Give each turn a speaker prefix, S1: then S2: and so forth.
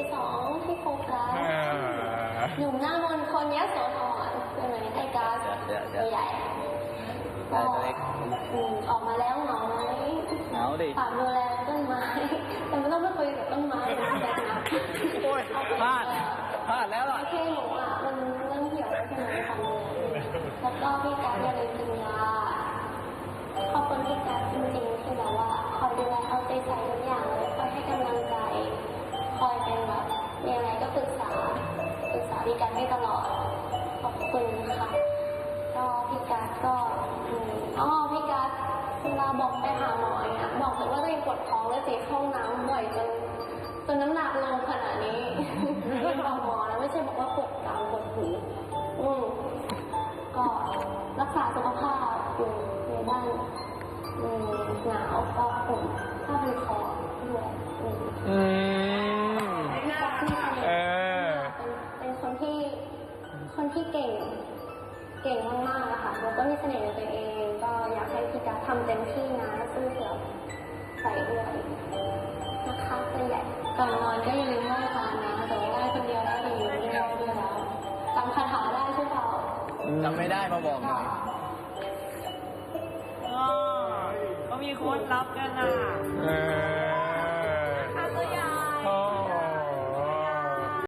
S1: 2ที่โฟกัสหนุ่มหน้ามนต์คนยโสธรใช่ไหมไอ้ก๊าซตัวใหญ่ก็ออกมาแล้วเหงาไหม
S2: เหงาดิ
S1: ฝากดูแลต้นไม้แต่ไม่ต้องไปคุยกับต้นไม้นะแบบนั้น
S2: โอ้ยพลาดแล้วล่ะ
S1: โอเคหนูอ่ะมันเริ่มเหี่ยวแล้วใช่ไหมฟันแล้วก็พี่ก๊าซอย่าลืมกินยาขอบคุณพี่ก๊าซจริงๆที่แบบว่าคอยดูแลเอาใจใส่ทุกอย่างเลยคอยให้กำลังใจคอยเป็นแบบมีอะไรก็ปรึกษาพี่ก๊าซได้ตลอดขอบคุณค่ะก็พี่ก๊าซก็พี่ก๊าซเวลาบอกไปหาหมอเนี่ยบอกแต่ว่าตัวเองปวดท้องแล้วเจ็บห้องน้ำบ่อยจนน้ำหนักลงขนาดนี้บอกหมอแล้วไม่ใช่บอกว่าปวดกลางปวดหูก็รักษาสุขภาพอยู่ในบ้านหนาวก็ผมถ้าเป็นคอด้วยเป็นคนที่เก่งมากๆค่ะแล้วก็มีเสน่ห์ในตัวเองก็อยากให้พี่กัสทำเต็มที่นะสู้เสือใส่ด้วยนะคะเป็นใหญ่ก่อนนอนก็อย่าลืมไหว้พระนะแต่ว่าไหว้คนเดียวได้หรือไม่ได้ด้วยแล้วจำคาถาได้ใช่เปล่า
S2: จำไม่ได้มาบอกหน่อย
S3: เขามีคนรับกันอ่ะ